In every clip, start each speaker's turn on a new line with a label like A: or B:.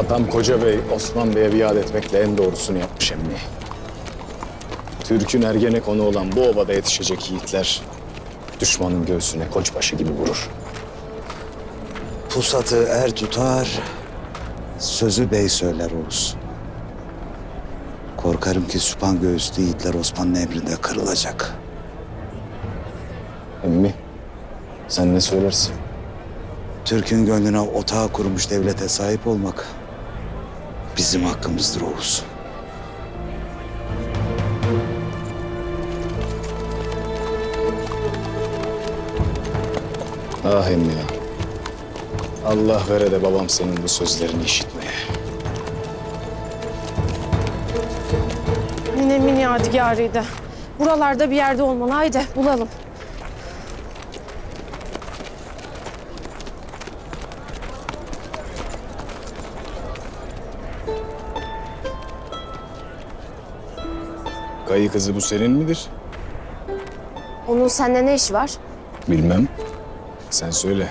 A: Atam Koca Bey, Osman Bey'e biat etmekle en doğrusunu yapmış emmi. Türk'ün Ergenekonu olan bu obada yetişecek yiğitler düşmanın göğsüne koçbaşı gibi vurur.
B: Pusatı er tutar, sözü bey söyler Oğuz. Korkarım ki süpan göğüslü yiğitler Osman'ın emrinde kırılacak.
A: Emmi, sen ne söylersin?
B: Türk'ün gönlüne otağı kurmuş devlete sahip olmak bizim hakkımızdır Oğuz.
A: Ah emmi ya. Allah vere de babam senin bu sözlerini işitmeye.
C: Ninemin yadigarıydı. Buralarda bir yerde olmalı. Haydi bulalım.
A: Kayı kızı bu senin midir?
C: Onun seninle ne işi var?
A: Bilmem. Sen söyle.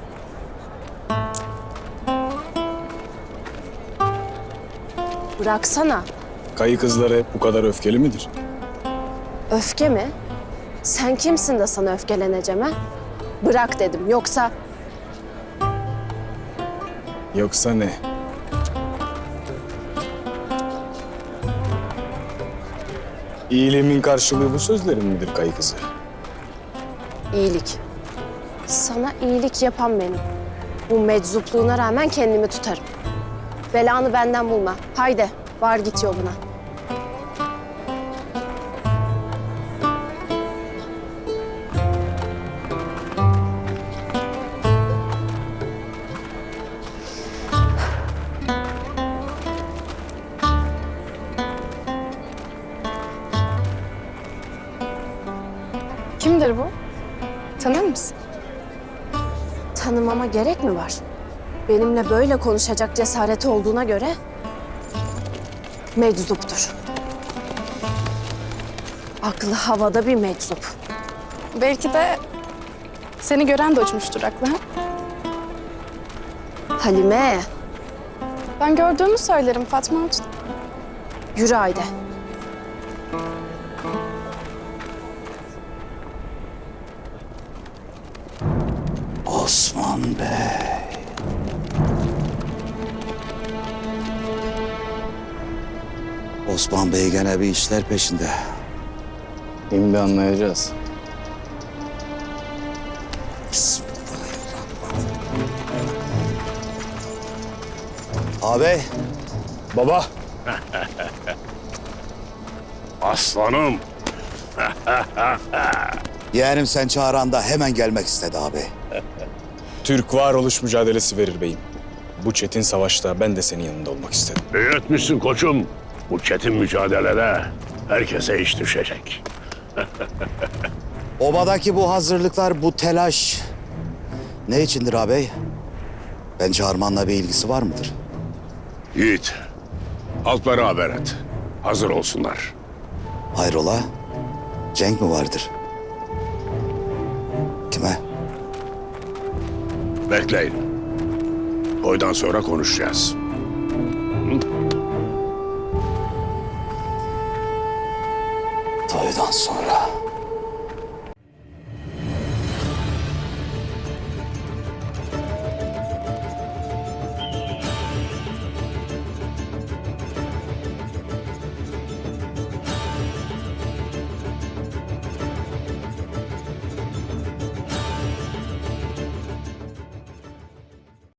C: Bıraksana.
A: Kayı kızları hep bu kadar öfkeli midir?
C: Öfke mi? Sen kimsin de sana öfkeleneceğim ha? Bırak dedim. Yoksa
A: Yoksa ne? İyiliğimin karşılığı bu sözlerin midir kayı kızı?
C: iyilik. Sana iyilik yapan benim. Bu meczupluğuna rağmen kendimi tutarım. Belanı benden bulma. Haydi var git yoluna.
D: Kimdir bu? Tanır mısın?
C: Tanımama gerek mi var? Benimle böyle konuşacak cesareti olduğuna göre meczuptur. Aklı havada bir meczup.
D: Belki de seni gören de uçmuştur aklı. Ha?
C: Halime,
D: Ben gördüğümü söylerim Fatma Hatun.
C: yürü haydi.
B: Osman Bey. Osman Bey gene bir işler peşinde.
A: Şimdi anlayacağız.
B: Ağabey,
A: Baba,
E: Aslanım,
B: yeğenim sen çağıranda hemen gelmek istedi ağabey.
A: Türk varoluş mücadelesi verir beyim. Bu çetin savaşta ben de senin yanında olmak istedim.
E: iyi etmişsin koçum. Bu çetin mücadelede herkese iş düşecek.
B: Obadaki bu hazırlıklar, bu telaş ne içindir ağabey? Ben çağırmanla bir ilgisi var mıdır?
E: Yiğit, halklara haber et. Hazır olsunlar.
B: Hayrola? Cenk mi vardır? Kime?
E: Bekleyin. Boydan sonra konuşacağız.
B: Toydan sonra.